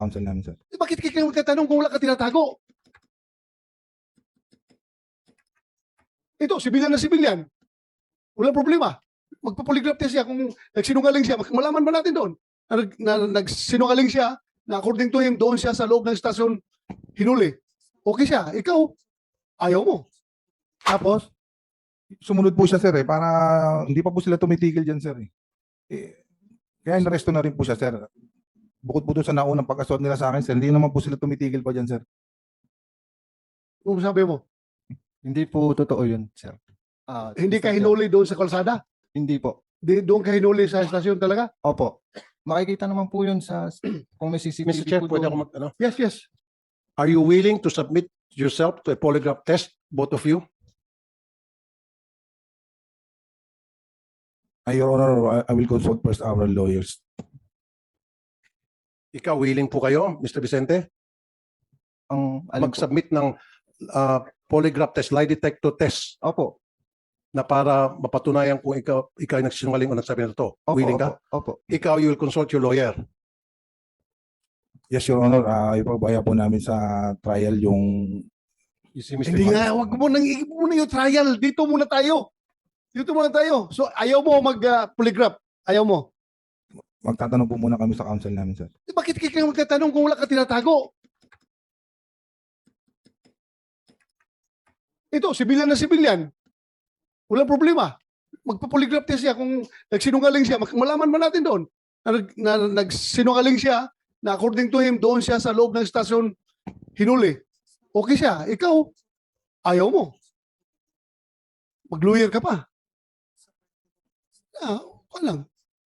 counsel namin, sir. Bakit kayo magtatanong kung wala ka tinatago? Ito, sibilyan na sibilyan. Walang problema. Magpa-polygraph test siya kung nagsinungaling siya. Malaman ba natin doon na nagsinungaling siya na according to him, doon siya sa loob ng estasyon hinuli. Okay siya. Ikaw, ayaw mo. Tapos, Sumunod po siya, sir, para hindi pa po sila tumitigil dyan, sir. Kaya inaresto na rin po siya, sir. Bukod po doon sa naunang pag-assault nila sa akin, sir, hindi naman po sila tumitigil pa dyan, sir. kung sabi mo, Hindi po totoo yun, sir. hindi ka Mr. Chair. hinuli doon sa kalsada? Hindi po. Doon ka hinuli sa estasyon talaga? Opo. Makikita naman po yun sa kung may CCTV Mr. Chair, po pwede doon. ako mag, ano? Yes, yes. Are you willing to submit yourself to a polygraph test, both of you? Your Honor, I will consult first our lawyers. Ikaw, willing po kayo, Mr. Vicente, Alin po? mag-submit ng polygraph test, lie detector test, Opo. na para mapatunayan kung ikaw ay nagsinungaling o nagsabi na to. Opo, Willing ka? Opo. Ikaw, you will consult your lawyer. Yes, Your Honor, ipabaya po namin sa trial yung You see, Mr. Hindi Juan? nga, wag mo nang muna yung trial. Dito muna tayo. Dito muna tayo. So, ayaw mo mag-polygraph. Ayaw mo. magtatanong po muna kami sa counsel namin, sir. Bakit kayo magtatanong kung wala ka tinatago? Ito, sibilyan na sibilyan. Walang problema. Magpa-polygraph test siya kung nagsinungaling siya. Malaman ba natin doon na nagsinungaling siya na according to him, doon siya sa loob ng estasyon hinuli. Okay siya. Ikaw, ayaw mo. Mag-lawyer ka pa. Walang.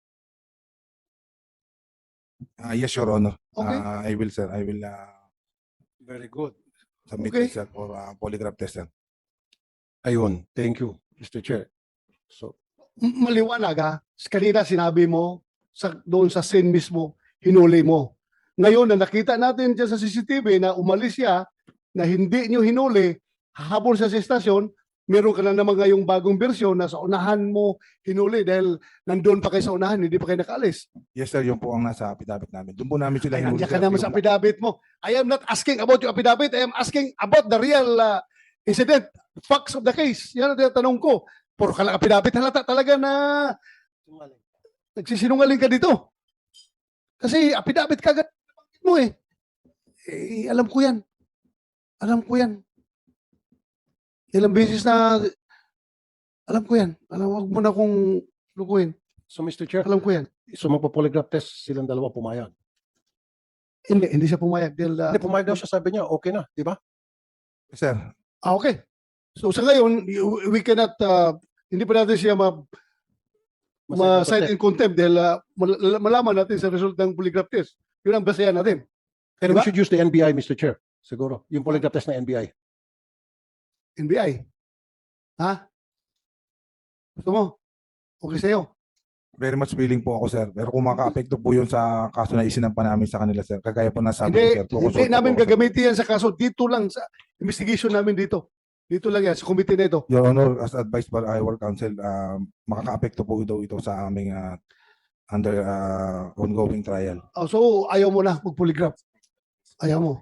Yes, Your Honor. Okay. I will, sir. I will Very good. submit Okay. myself for polygraph test, sir. Ayun. Thank you, Mr. Chair. So, Maliwanag ha. Kanina sinabi mo doon sa scene mismo, hinuli mo. Ngayon na nakita natin dyan sa CCTV na umalis siya, na hindi nyo hinuli, hahabol siya sa estasyon, meron ka na naman ngayong bagong bersyon na sa unahan mo hinuli dahil nandun pa kayo sa unahan, hindi pa kayo nakaalis. Yes, sir. Yung po ang nasa affidavit namin. Doon po namin sila Ay, hinuli, nandiyan ka sir. naman sa affidavit mo. I am not asking about your affidavit. I am asking about the real incident, facts of the case. Yan ang tinatanong ko. Puro ka lang affidavit, halata talaga na nagsisinungaling ka dito. Kasi affidavit ka agad mo eh. Alam ko yan. Alam ko yan. Ilang beses na alam ko yan. Wag mo na kung lukuhin. so Mr. Chair, Alam ko yan. so magpa-polygraph test silang dalawa pumayag. Hindi siya pumayag. Dahil, Hindi, pumayag daw siya, sabi niya, okay na, di ba? Yes, sir. okay. So sa ngayon, we cannot, hindi pa natin siya ma-cite in contempt dahil malaman natin sa result ng polygraph test. Yun ang basehan natin. And Diba? we should use the NBI, Mr. Chair. Siguro. Yung polygraph test na NBI. NBI. Ha? Gusto mo? Okay sa'yo. Very much willing po ako, sir. Pero kung maka-apekto po yun sa kaso na isinampa namin sa kanila, sir, kagaya po nasabi ko, Hindi, sir. hindi namin gagamitin yan sa kaso. Dito lang sa investigation namin dito. Dito lang yan, sa committee na ito. Your Honor, as advised by our counsel, makaka-apekto po daw ito sa aming under ongoing trial. Oh, so, ayaw mo na mag-polygraph. Ayaw mo.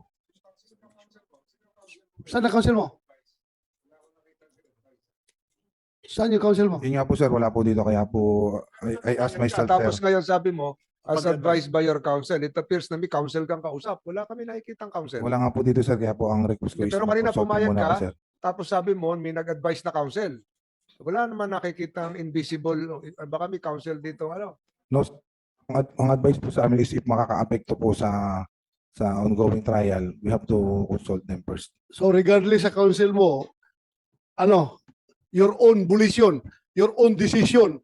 Saan na counsel mo? Saan yung counsel mo? Yun nga po, sir, wala po dito. Kaya po, I asked myself, Tapos sir. ngayon sabi mo, as Pag- advised by your counsel, it appears na may counsel kang kausap. Wala kami nakikitang counsel. Wala nga po dito, sir. Kaya po ang request ko is Pero kanina mag-consult po pumayag muna ka? ako, sir. Tapos sabi mo, may nag-advise na counsel. Wala naman nakikitang invisible, baka may counsel dito, ano? No, ang advice po sa amin is if makaka-apekto po sa ongoing trial, we have to consult them first. So regardless sa counsel mo, ano, your own volition, your own decision.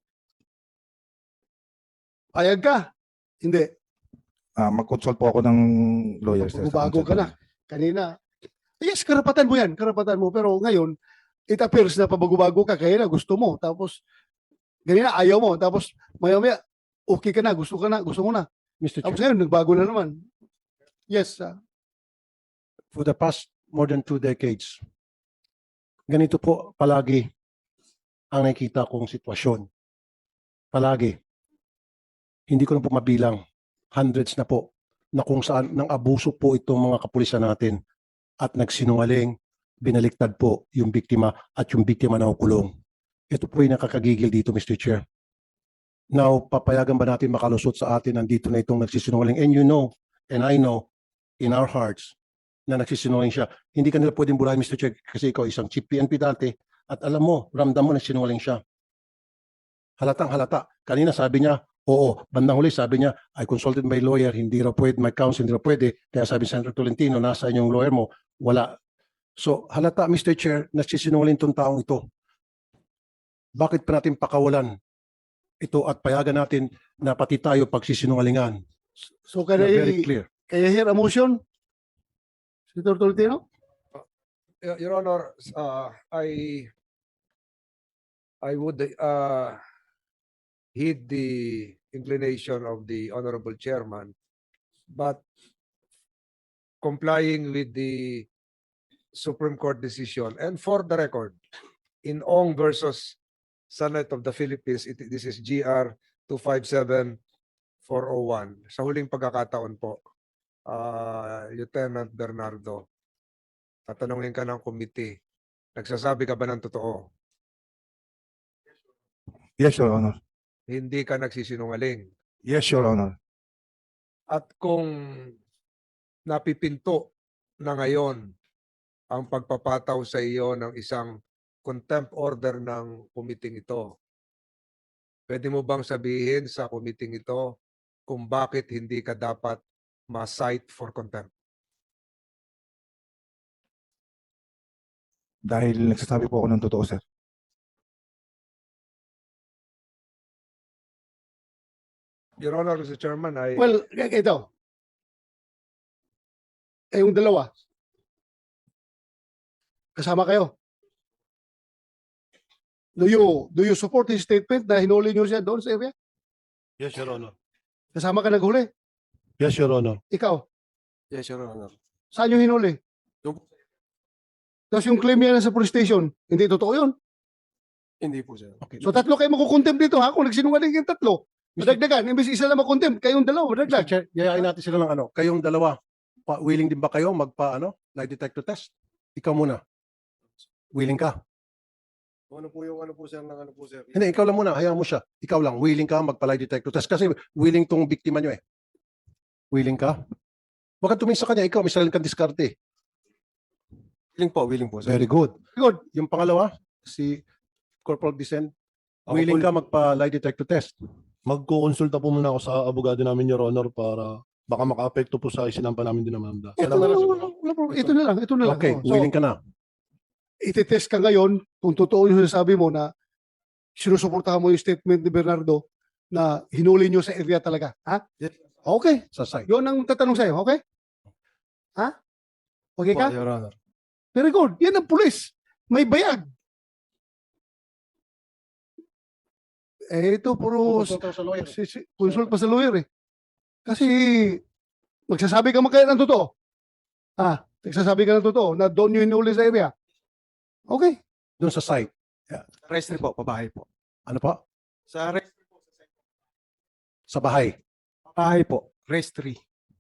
Payag ka? Hindi. Mag-consult po ako ng lawyer, sir. sa Bago counsel ka na. Kanina. Yes, karapatan mo yan. Karapatan mo. Pero ngayon, it appears na pabago-bago ka. Kaya na gusto mo. Tapos, ganina ayaw mo. Tapos, maya-maya, okay ka na. Gusto mo na. Mr. Tapos Chair, ngayon, nagbago na naman. Yes. for the past more than 2 decades, ganito po palagi ang nakikita kong sitwasyon. Palagi. Hindi ko na po mabilang. Hundreds na po na kung saan nang abuso po itong mga kapulisan natin at nagsinungaling, binaliktad po yung biktima at yung biktima na kulong. Ito po yung nakakagigil dito, Mr. Chair. Now, papayagan ba natin makalusot sa atin nandito na itong nagsisinungaling? And you know, and I know, in our hearts, na nagsisinungaling siya. Hindi ka nila pwedeng burahin, Mr. Chair, kasi ikaw isang chief PNP dati at alam mo, ramdam mo na sinungaling siya. Halatang halata. Kanina sabi niya, oo. Bandang huli sabi niya, I consulted my lawyer, hindi raw pwede, my counsel, hindi raw pwede. Kaya sabi Senator Tolentino, nasa yung lawyer mo, wala. So, halata, Mr. Chair, nagsisinungaling itong taong ito. Bakit pa natin pakawalan ito at payagan natin na pati tayo pagsisinungalingan? So Na very clear. can I hear a motion? Senator Tolentino? Your Honor, I would heed the inclination of the Honorable Chairman, but complying with the Supreme Court decision, and for the record, in Ong versus Senate of the Philippines, this is GR 257-401. Sa huling pagkakataon po, Lieutenant Bernardo, tatanungin ka ng committee, nagsasabi ka ba ng totoo? Yes, Your Honor. Hindi ka nagsisinungaling. Yes, Your Honor. At kung napipinto na ngayon ang pagpapataw sa iyo ng isang contempt order ng committee ito, pwede mo bang sabihin sa committee ito kung bakit hindi ka dapat ma-cite for contempt? Dahil nagsasabi po ako ng totoo, sir. Your Honor, Mr. Chairman, Well, ito. Yung dalawa. Kasama kayo. Do you support his statement na hinuli niyo siya doon sa area? Yes, Your Honor. Kasama ka naghuli? Yes, Your Honor. Ikaw? Yes, Your Honor. Saan yung hinuli? Tapos yung claim niya sa police station, hindi totoo yun. Hindi po, sir. Okay. So tatlo kayo makukontempt dito ha? Kung nagsinungaling yung tatlo. Madagdagan. Imbis isa lang makontempt, kayong dalawa, Mr. madagdag. Chair, yayain natin sila ng ano. Kayong dalawa, willing din ba kayo lie detector test? Ikaw muna. Willing ka? Ano po yung ano po, sir, ng ano po, sir? Hindi, ikaw lang muna. Hayaan mo siya. Ikaw lang. Willing ka lie detector test? Kasi willing tong biktima nyo eh. Willing ka? Huwag ka tumingin sa kanya. Ikaw, may sarili kang diskarte. Willing po, sir. Very good. Good. Yung pangalawa, si Corporal Vicent, Ako willing po- ka lie detector test? Magkukonsulta po muna ako sa abogado namin, Your Honor, para baka maka-apekto po sa isinampa namin din naman. Ito na lang. Ito na lang. Ito na lang. Okay, So, willing ka na. ititest ka ngayon kung totoo yung sinasabi mo na sinusuportahan mo yung statement ni Bernardo na hinuli nyo sa area talaga. Ha? Okay. Sa site. Yun ang tatanong sa'yo. Okay? Ha? Okay ka? Your Honor. Very good. Yan ang pulis. May bayag. Ito puro Consult ka sa lawyer. consult pa sa lawyer eh. Kasi magsasabi ka man kaya ng totoo. Nagsasabi ka ng totoo na doon yung hinuli sa area. Okay. Doon sa site. Registry po, pabahay po. Ano pa? Sa registry po, Sa bahay. pabahay po. Registry.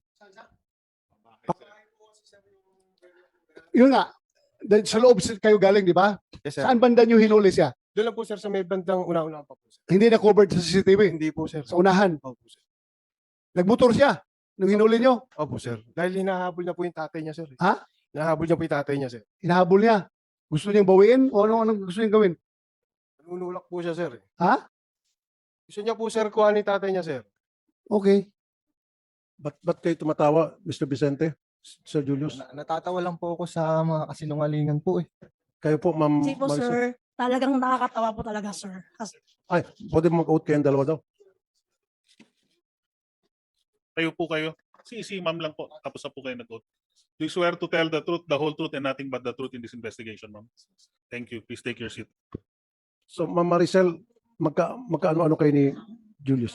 Yun nga. Dahil sa loob kayo galing, di ba? Yes, sir. Saan banda nyo hinuli siya? Doon lang po, sir, sa may bandang una-una pa po, sir. Hindi na covered sa CCTV. Hindi po, sir. Sa unahan. Opo, sir. Nagmotor siya nung hinuli nyo. Opo, sir. Dahil hinahabol niya po yung tatay niya, sir. Ha? Hinahabol niya po yung tatay niya, sir. Hinahabol niya. Gusto niyang bawiin o anong gusto niyang gawin? Nanunulak po siya, sir. Ha? Gusto niya po, sir, kuha ni tatay niya, sir. Okay. Ba't kayo tumatawa, Mr. Vicente? Sir Julius? Natatawa lang po ako sa mga kasinungalingan po eh. Kayo po, Ma'am Hindi po, Marisol? sir. Talagang nakakatawa po talaga, sir. Ay, pwede mag-out kayong dalawa daw. Kayo po kayo. Si ma'am lang po. Tapos na po kayo nag-vote. Do you swear to tell the truth, the whole truth, and nothing but the truth in this investigation, ma'am? Thank you. Please take your seat. So, Ma'am Maricel, magkaano-ano kayo ni Julius?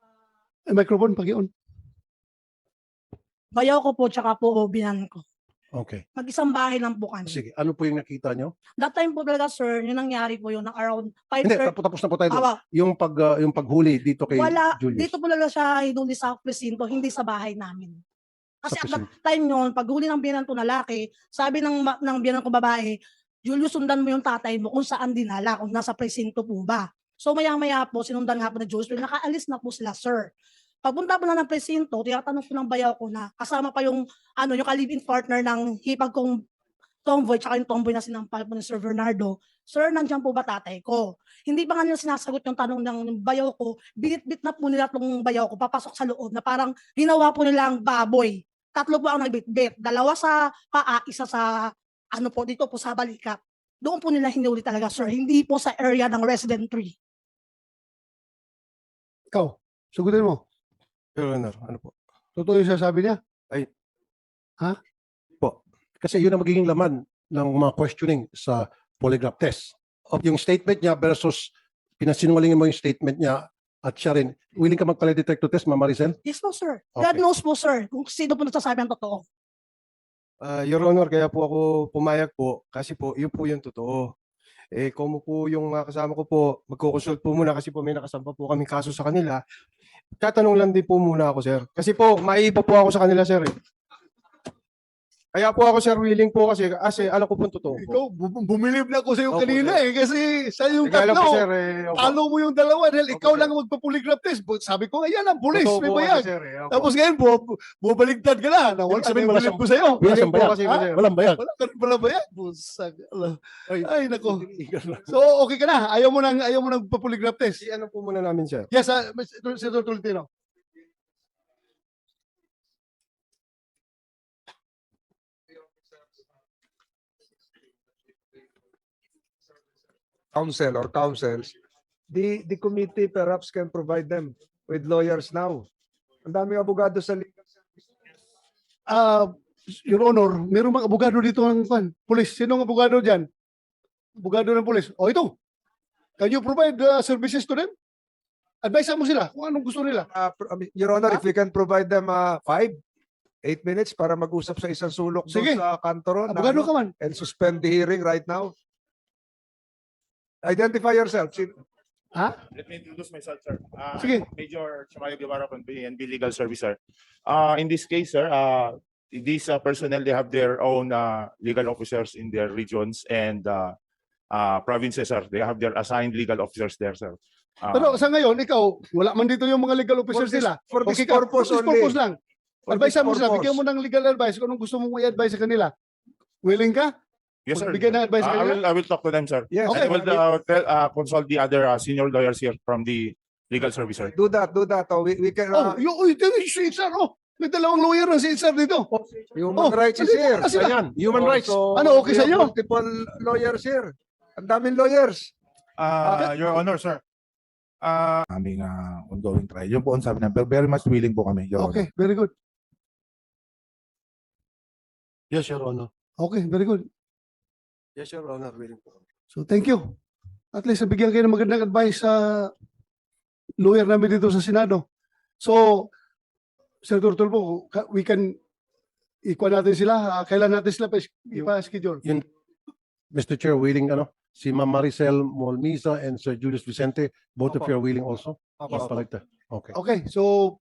Microphone, pag-ion. Bayaw ko po, tsaka po binan ko. Okay. Mag-isang bahay lang po kami. Sige, ano po yung nakita nyo? That time po talaga, sir, yung nangyari po yun, ng around Hindi, 5:30. tapos na po tayo doon. Awa, Yung paghuli dito kay wala, Julius. dito po talaga siya hinuli sa presinto, hindi sa bahay namin. Kasi Sa at that time yun, paghuli ng biyanan ko na lalaki, sabi ng biyanan ko babae, Julius, sundan mo yung tatay mo kung saan dinala, kung nasa presinto po ba. So maya-maya po, sinundan nga po na Julius, pero nakaalis na po sila, sir. Pagpunta po na ng presinto, tinatanong ko ng bayaw ko na kasama pa yung yung ka-live-in partner ng hipag kong tomboy, tsaka yung tomboy na sinampal po ni Sir Bernardo, sir, nandiyan po ba tatay ko? Hindi pa nga nila sinasagot yung tanong ng bayaw ko, binit-bit na po nila itong bayaw ko, papasok sa loob na parang ginawa po nilang baboy. 3 po ang nagbitbit, 2 sa paa, 1 sa dito po sa balikat. Doon po nila hinuli talaga, sir, hindi po sa area ng resident tree. Ikaw, sagutin mo. Your Honor, ano po? Totoo yung sasabi niya? Kasi yun ang magiging laman ng mga questioning sa polygraph test. Yung statement niya versus pinasinungalingin mo yung statement niya at siya rin, willing ka magpala detector test, Ma'am Maricel? Yes po, sir. God Okay. knows po, sir, kung sino po nagsasabi ang totoo. Your Honor, kaya po ako pumayag po kasi po yun po yung totoo. Kung po yung mga kasama ko po, magkukonsult po muna kasi po may nakasampa po kaming kaso sa kanila. Tatanong lang din po muna ako, sir. Kasi po, maiiba po ako sa kanila, sir. Kaya po ako, sir, willing po kasi alam ko po yung totoo po. Ikaw, bumilib na ako sa iyo Opo, kanina kasi sa yung Kaya lang po, tatlo. sir, opo. Talo mo yung dalawa dahil Opo, ikaw sir. lang ang magpa-polygraph test. Sabi ko, ayan ang pulis, Totoo may po kasi, bayag. sir, opo. Tapos ngayon, bubaligtad ka na. Nawala Ibig sabihin, na yung wala bilib siyang- ko sa'yo. Wala siyang po bayag. kasi, Ha? sir. Walang bayag. Wala ka rin pala bayag. Busag. Ay, nako. Illegal lang. So, okay ka na. Ayaw mo nang pa-polygraph test. Si ano po muna namin, sir. Yes, Senator Tolentino. Counsel or counsels, the committee perhaps can provide them with lawyers now. Ang daming abogado sa legal service. Your Honor, mayroong mga abogado dito ng pulis. Sinong abogado dyan? Abogado ng pulis. O ito. Can you provide services to them? Advise mo sila kung anong gusto nila. Your Honor, if we can provide them 5, 8 minutes para mag-usap sa isang sulok doon Sige. sa kantoron Abogado ka man. and suspend the hearing right now. Identify yourself. Let me introduce myself, sir. Sige. Major Chamayo Guevara from PNB Legal Service, sir. In this case, sir, these personnel, they have their own legal officers in their regions and provinces, sir. They have their assigned legal officers there, sir. Pero sa ngayon, ikaw, wala man dito yung mga legal officers nila. For this Okay ka, purpose for this only. purpose lang. For Advise this mo sila, purpose. bigyan mo ng legal advice kung anong gusto mong i-advise sa kanila. Willing ka? Yes, sir. Bigyan ng advice sa kanila? I will talk to them, sir. Yes. And I will consult the other senior lawyers here from the legal service, sir. Do that. Oh, we can, Ito yung si HR, oh. May dalawang lawyer na si HR dito. human rights is halika here. na sila. Ayan, human rights. So, Ano, okay we sa have inyo? Multiple lawyers here. Ang daming lawyers. Your Honor, sir. Aming ongoing trial. Yun po ang sabi namin. Pero very much willing po kami, Your Honor. Okay, very good. Yes, Your Honor. Okay, very good. Yes, Your Honor, willing po. So, thank you. At least, nabigyan kayo ng magandang advice sa lawyer namin dito sa Senado. So, Senator Tulfo, we can ikuha natin sila. Kailan natin sila ipa-schedule? Mr. Chair, willing si Ma'am Maricel Molmisa and Sir Julius Vicente, both of Opo. you are willing also? Opo, opo. Like that. Okay. Okay, so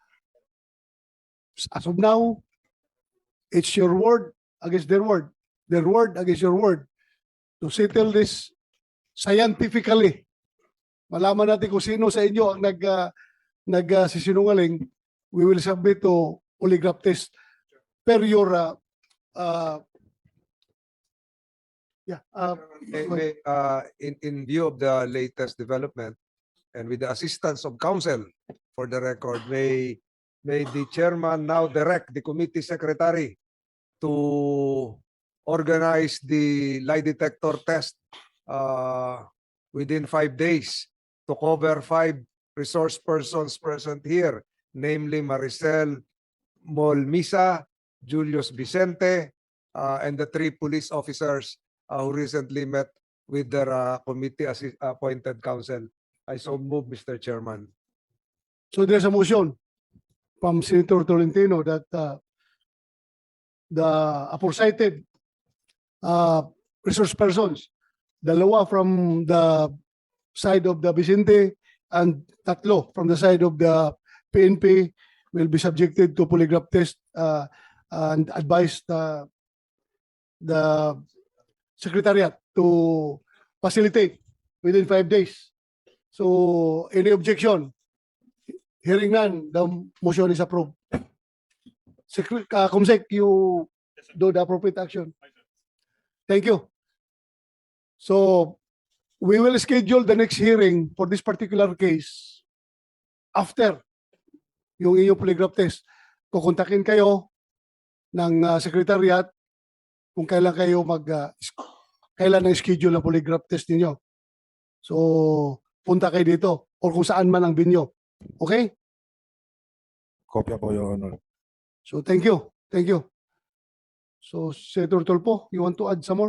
as of now, it's your word against their word against your word to settle this scientifically. Malaman natin kung sino sa inyo ang nagsisinungaling. We will submit to polygraph test per your In view of the latest development and with the assistance of counsel, for the record, may the chairman now direct the committee secretary to organize the lie detector test within 5 days to cover 5 resource persons present here, namely Maricel Molmisa, Julius Vicente, and the 3 police officers who recently met with their committee appointed counsel. I so move, Mr. Chairman. So there's a motion from Senator Tolentino that the aforecited resource persons. Dalawa from the side of the Vicente and tatlo from the side of the PNP will be subjected to polygraph test and advise the secretariat to facilitate within 5 days. So any objection? Hearing none, the motion is approved. Comsec, you do the appropriate action. Thank you. So we will schedule the next hearing for this particular case after yung inyong polygraph test. Kukontakin kayo ng secretariat kung kailan kayo kailan ang schedule ng polygraph test ninyo. So punta kayo dito or kung saan man ang venue. Okay? Kopya po, Your Honor. So thank you. Thank you. So Senator Tulfo, you want to add some more?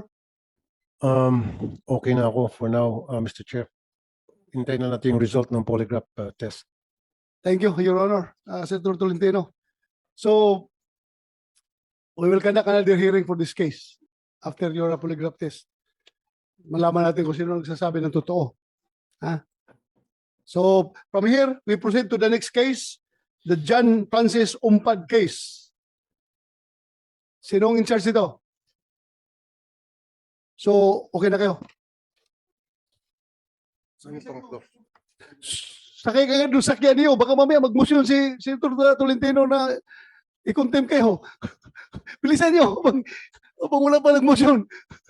Okay na ako for now, Mr. Chair. Hintayin na natin yung result ng polygraph test. Thank you, Your Honor, Senator Tolentino. So we will conduct another hearing for this case after your polygraph test. Malaman natin kung sino nagsasabi ng totoo. So from here, we proceed to the next case, the John Francis Umpad case. Sinong in charge nito? So, okay na kayo. Sakay ka nga doon sakyan niyo. Baka mamaya mag-motion si Senator Tolentino na i-contempt kayo. Bilisan niyo. Habang wala pa nag-motion.